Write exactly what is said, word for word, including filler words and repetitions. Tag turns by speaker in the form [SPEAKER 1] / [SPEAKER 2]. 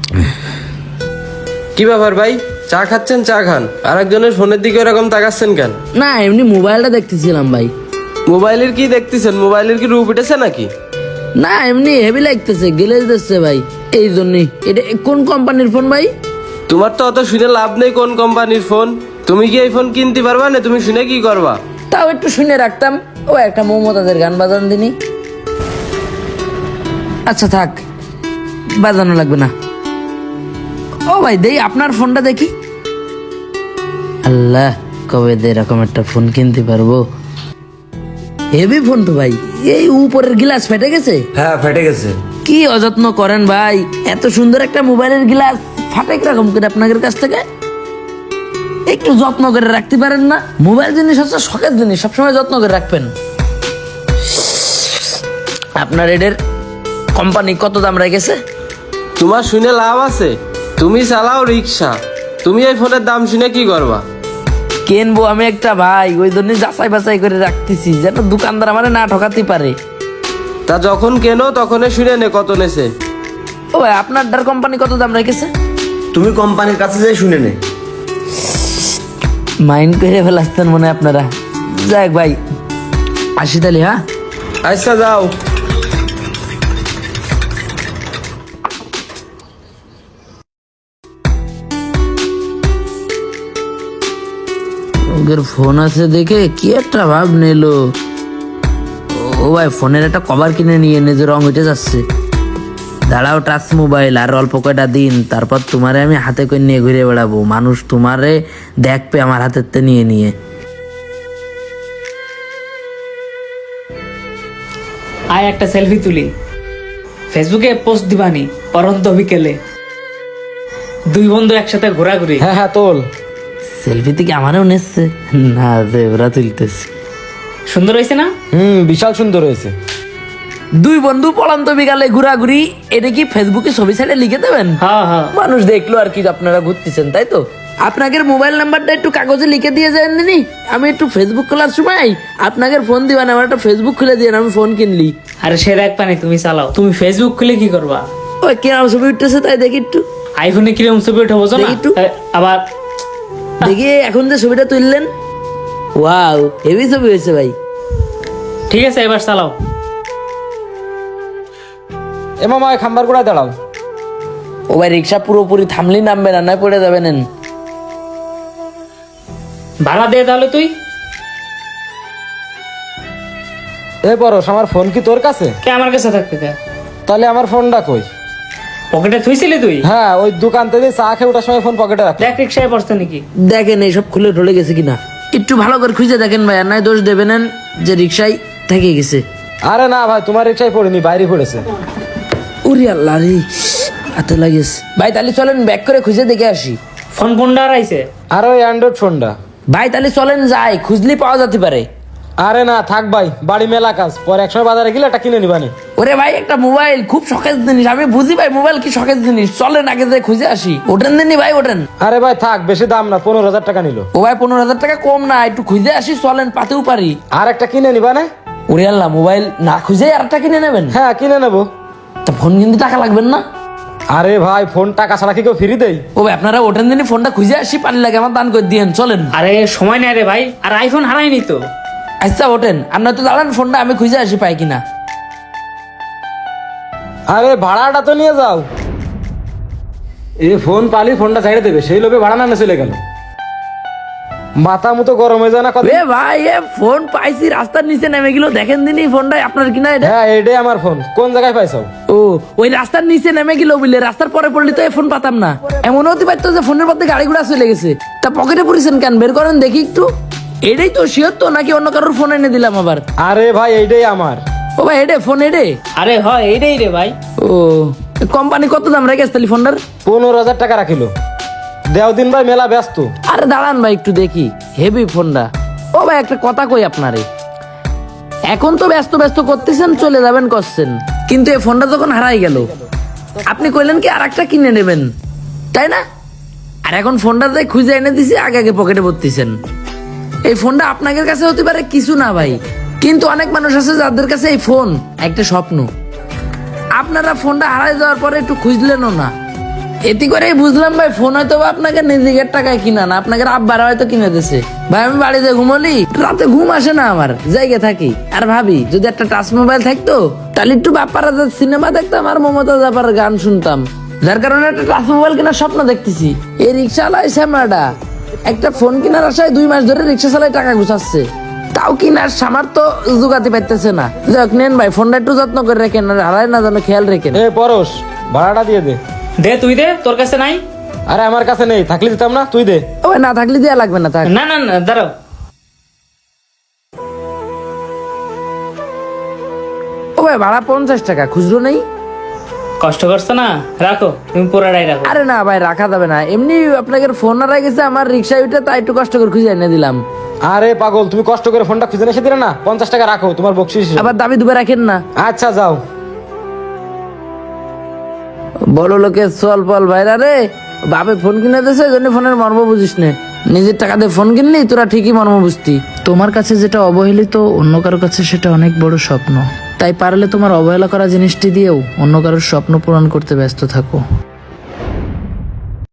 [SPEAKER 1] কি ব্যাপার ভাই, চা খাচ্ছেন? চা খান। আর একজনের ফোনের দিকে এরকম তাকাচ্ছেন কেন?
[SPEAKER 2] না এমনি মোবাইলটা দেখতেছিলাম ভাই।
[SPEAKER 1] মোবাইলের কি দেখতেছেন? মোবাইলের কি রূপ উঠেছে নাকি?
[SPEAKER 2] না এমনি হেভি লাগতেছে, গেলে দিচ্ছে ভাই, এই জন্যই। এটা কোন কোম্পানির ফোন ভাই?
[SPEAKER 1] তোমার তো অত শুনে লাভ নেই কোন কোম্পানির ফোন। তুমি কি এই ফোন কিনতে পারবা না? তুমি শুনে কি করবা?
[SPEAKER 2] তাও একটু শুনে রাখতাম। ও একটা মমতাদের গান বাজান দিনি। আচ্ছা থাক, বাজানো লাগবে না। ও ভাই দেই আপনার ফোনটা দেখি। আল্লাহ, কবে দে এরকম একটা ফোন কিনতে পারবো। হেভি ফোন তো ভাই। এই উপরের গ্লাস ফেটে গেছে।
[SPEAKER 1] হ্যাঁ ফেটে গেছে।
[SPEAKER 2] কি অযত্ন করেন ভাই, এত সুন্দর একটা মোবাইলের গ্লাস ফাটে কিরকম করে আপনাদের কাছ থেকে? একটু যত্ন করে রাখতে পারেন না? মোবাইল জিনিস হচ্ছে শখের জিনিস, সবসময় যত্ন করে রাখবেন। আপনার এদের কোম্পানি কত দাম রেখেছে?
[SPEAKER 1] তোমার শুনে লাভ আছে? তুমি চালাও রিক্সা, তুমি এই ফোনের দাম শুনে কি করবা?
[SPEAKER 2] কিনবো আমি একটা ভাই, ওই জন্য যাচাই বাছাই করে রাখতেছি যেন দোকানদার আমার না ঠকাতে পারে।
[SPEAKER 1] তা যখন কেনো তখনই শুনে নে কত নেছে।
[SPEAKER 2] ও ভাই আপনার ডার কোম্পানি কত দাম রেখেছে?
[SPEAKER 3] তুমি কোম্পানির কাছে যাই শুনে নে।
[SPEAKER 2] মাইন্ড করে ফেলাচ্ছেন মনে হয় আপনারা। যাক ভাই, আসি তাহলে। হ্যাঁ
[SPEAKER 1] আচ্ছা যাও।
[SPEAKER 2] ওদের ফোন আছে দেখে কি একটা ভাব নিলো। ও ভাই ফোনের একটা কভার কিনে নিয়ে এনে যে রং উঠে যাচ্ছে। দাঁড়াও, টাচ মোবাইল আর অল্প কয়টা দিন, তারপর তোমারে আমি হাতে করে নিয়ে ঘুরে বেড়াবো। মানুষ তোমারে দেখবে আমার হাতের নিয়ে নিয়ে।
[SPEAKER 4] আয় একটা সেলফি তুলি, ফেসবুকে পোস্ট দিবানি পরন্ত বিকেলে, দুই বন্ধু একসাথে ঘোরাঘুরি।
[SPEAKER 1] হ্যাঁ হ্যাঁ তোল।
[SPEAKER 2] সেলফি থেকে আমারও নেচ্ছে না, যে ওরা তুলতেছে।
[SPEAKER 4] সুন্দর হয়েছে না?
[SPEAKER 1] হুম, বিশাল সুন্দর হয়েছে।
[SPEAKER 2] দুই বন্ধু পড়ান্ত বিকালে ঘোরাঘুরি, এটা কি ফেসবুকে ছবি ছাড়ে লিখে দেবেন?
[SPEAKER 4] হ্যাঁ হ্যাঁ।
[SPEAKER 2] মানুষ দেখলো আর কি আপনারা ঘুরতেছেন, তাই তো? আপনাদের মোবাইল নাম্বারটা একটু কাগজে লিখে দিয়ে যান দিনি, আমি একটু ফেসবুক খোলার সময় আপনাদের ফোন দিবেন, আমার একটা ফেসবুক খুলে দিয়ে আমি ফোন কিনলি।
[SPEAKER 4] আরে সে দেখ পানি, তুমি চালাও। তুমি ফেসবুক খুলে কি করবা?
[SPEAKER 2] ওই কিরম ছবি উঠতেছে তাই দেখি একটু।
[SPEAKER 4] আইফোনে কিরম ছবি উঠে বোঝো না?
[SPEAKER 2] দেখি একটু।
[SPEAKER 4] এ, আবার
[SPEAKER 2] দেখি এখন যে ছবিটা তুললেন, ওয়াও হেভি ছবি হয়েছে ভাই।
[SPEAKER 4] ঠিক আছে, এবার চালাও।
[SPEAKER 1] এ মামা খাম্বার গোড়ায় দাঁড়াও।
[SPEAKER 2] ও ভাই রিক্সা পুরোপুরি থামলি নামবে না, নয় পড়ে যাবেন।
[SPEAKER 4] ভাড়া দে তাহলে তুই।
[SPEAKER 1] এ পরশ, আমার ফোন কি তোর কাছে?
[SPEAKER 4] কে আমার কাছে থাকতে কে?
[SPEAKER 1] তাহলে আমার ফোনটা কই?
[SPEAKER 4] পকেটে থুইছিলি তুই?
[SPEAKER 1] হ্যাঁ, ওই দোকান থেকে চা খেয়ে ওঠার সময় ফোন পকেটে রাখ।
[SPEAKER 4] দেখ রিক্সায় পড়ছে নাকি।
[SPEAKER 2] দেখেন এইসব খুলে ঢলে গেছে কিনা, একটু ভালো করে খুঁজে দেখেন ভাই, আর নয় দোষ দেবেন যে রিক্সায় থেকে গেছে।
[SPEAKER 1] আরে না ভাই, তোমার রিক্সায় পড়েনি, বাইরে পড়েছে।
[SPEAKER 2] ওরে আল্লাহ রে, হাতে লাগিস ভাই। তাহলে চলেন ব্যাক করে খুঁজে দেখে আসি।
[SPEAKER 4] ফোন কোনটা হারাইছে?
[SPEAKER 1] আর ওই অ্যান্ড্রয়েড ফোনটা।
[SPEAKER 2] ভাই তাহলে চলেন যাই, খুঁজলি পাওয়া যেতে পারে।
[SPEAKER 1] আরে না থাক ভাই, বাড়ি মেলা কাজ, পরে একসময় বাজারে গেলে এটা কিনে নিবানি।
[SPEAKER 2] ওরে ভাই একটা মোবাইল খুব শখের জিনিস, আমি বুঝি ভাই মোবাইল কি শখের জিনিস। চলেন আগে যাই খুঁজে আসি। ওঠেন দিনই ভাই, ওঠেন।
[SPEAKER 1] আরে ভাই থাক, বেশি দাম না, পনেরো হাজার টাকা নিল।
[SPEAKER 2] ও ভাই পনেরো হাজার টাকা কম না, একটু খুঁজে আসি, চলেন পাতেও পারি।
[SPEAKER 1] আর একটা কিনে নিবা না?
[SPEAKER 2] ওরে আল্লাহ, মোবাইল না খুঁজে আর একটা কিনে নেবেন?
[SPEAKER 1] হ্যাঁ কিনে নেবো।
[SPEAKER 2] তা ফোন কিন্তু টাকা লাগবেন না?
[SPEAKER 1] আরে ভাই ফোন টাকা ছাড়া কি কেউ ফ্রি দেয়?
[SPEAKER 2] ও ভাই আপনারা ওঠেন দিনই, ফোনটা খুঁজে আসি, পানি লাগে আমার দান করে দিয়েন। চলেন।
[SPEAKER 4] আরে সময় নেই রে ভাই, আর আইফোন হারাইনি তো।
[SPEAKER 2] আচ্ছা ওঠেন, আপনার তো দাঁড়ান, ফোনটা আমি খুঁজে আসি পাই কিনা।
[SPEAKER 1] আরে ভাড়াটা তো নিয়ে যাও। এ ফোন পালি ফোনটা ছেড়ে দেবে, সেই লোভে ভাড়া না চলে গেল। মাথা মতো গরম হয়ে যায় না কথা।
[SPEAKER 2] এ ভাই এ ফোন পাইছি রাস্তার নিচে নেমে গেল, দেখেন দিনই ফোনটা আপনার কিনা এটা?
[SPEAKER 1] হ্যাঁ এটাই আমার ফোন। কোন জায়গায় পাইছো?
[SPEAKER 2] ও ওই রাস্তার নিচে নেমে গেল বুঝলে, রাস্তার পরে পড়লি তো এই ফোন পাতাম না। এমন হতে পারতো যে ফোনের মধ্যে গাড়ি ঘোড়া চলে গেছে। তা পকেটে পড়েছেন কেন, বের করেন দেখি একটু। এটাই তো শিওর তো, নাকি অন্য কারোর ফোন এনে দিলাম আবার?
[SPEAKER 1] আরে ভাই এইটাই আমার।
[SPEAKER 2] ও ভাই এডে ফোন এডে।
[SPEAKER 4] আরে হয় এইটাই রে ভাই।
[SPEAKER 2] ও কোম্পানি কত দাম রেখেছে তাহলে ফোনটার?
[SPEAKER 1] পনেরো হাজার টাকা রাখিল। দেও দিন ভাই মেলা ব্যস্ত।
[SPEAKER 2] আরে দাঁড়ান ভাই একটু দেখি, হেভি ফোনটা। ও ভাই একটা কথা কই আপনারে, এখন তো ব্যস্ত ব্যস্ত করতেছেন, চলে যাবেন করছেন, কিন্তু এই ফোনটা যখন হারাই গেল আপনি কইলেন কি আর একটা কিনে নেবেন, তাই না? আর এখন ফোনটা যাই খুঁজে এনে দিছি, আগে আগে পকেটে ভরতেছেন। এই ফোনটা আপনাদের কাছে হতে পারে কিছু না ভাই, কিন্তু অনেক মানুষ আছে যাদের কাছে এই ফোন একটা স্বপ্ন। আপনারা ফোনটা হারাই যাওয়ার পরে একটু খুঁজলেনও না, এতে করে বুঝলাম ভাই ফোন হয়তো বা আপনাকে নিজের টাকায় কিনা না, আপনাকে আব্বার হয়তো কিনে দিছে। ভাই আমি বাড়িতে ঘুমলি, রাতে ঘুম আসে না আমার, জায়গা থাকি আর ভাবি যদি একটা টাচ মোবাইল থাকতো তাহলে একটু বাপ্পারা সিনেমা দেখতাম আর মমতা জাপার গান শুনতাম। যার কারণে একটা টাচ মোবাইল কেনার স্বপ্ন দেখতেছি। এই রিক্সাওয়ালাই শ্যামলাটা একটা ফোন কেনার আশায় দুই মাস ধরে রিক্সা চালায় টাকা গুছাচ্ছে, তাও কিনার সামার তো জোগাতে পারতেছে না। যাক নেন ভাই, ফোনটা একটু যত্ন করে রাখেন আর হারায় না যেন খেয়াল রেখেন।
[SPEAKER 1] এ পরশ, ভাড়াটা দিয়ে দে।
[SPEAKER 4] দে তুই দে, তোর কাছে নাই?
[SPEAKER 1] আরে আমার কাছে নেই, থাকলে দিতাম না, তুই দে।
[SPEAKER 2] ও ভাই না থাকলে দেয়া লাগবে না, থাক।
[SPEAKER 4] না না না দাঁড়াও।
[SPEAKER 2] ও ভাই ভাড়া পঞ্চাশ টাকা, খুচরো নেই?
[SPEAKER 4] কষ্ট করছো না, রাখো, তুমি পুরাটাই রাখো।
[SPEAKER 2] আরে না ভাই রাখা যাবে না, এমনি আপনাকে ফোন হারাই গেছে আমার রিক্সা উঠে, তাই একটু কষ্ট করে খুঁজে এনে দিলাম।
[SPEAKER 1] আরে পাগল, তুমি কষ্ট করে ফোনটা খুঁজে এসে দিলে না, পঞ্চাশ টাকা রাখো তোমার বকশিস।
[SPEAKER 2] আবার দাবি দুবে রাখেন না।
[SPEAKER 1] আচ্ছা যাও।
[SPEAKER 2] বড় লোকের চল পল ভাইরা রে, বাপে ফোন কিনে দিয়েছে ওই জন্য ফোনের মর্ম বুঝিস নে। নিজের টাকা দিয়ে ফোন কিনলি তোরা ঠিকই মর্ম বুঝতি। তোমার কাছে যেটা অবহেলিত অন্য কারোর কাছে সেটা অনেক বড় স্বপ্ন, তাই পারলে তোমার অবহেলা করা জিনিসটি দিয়েও অন্য কারোর স্বপ্ন পূরণ করতে ব্যস্ত থাকো।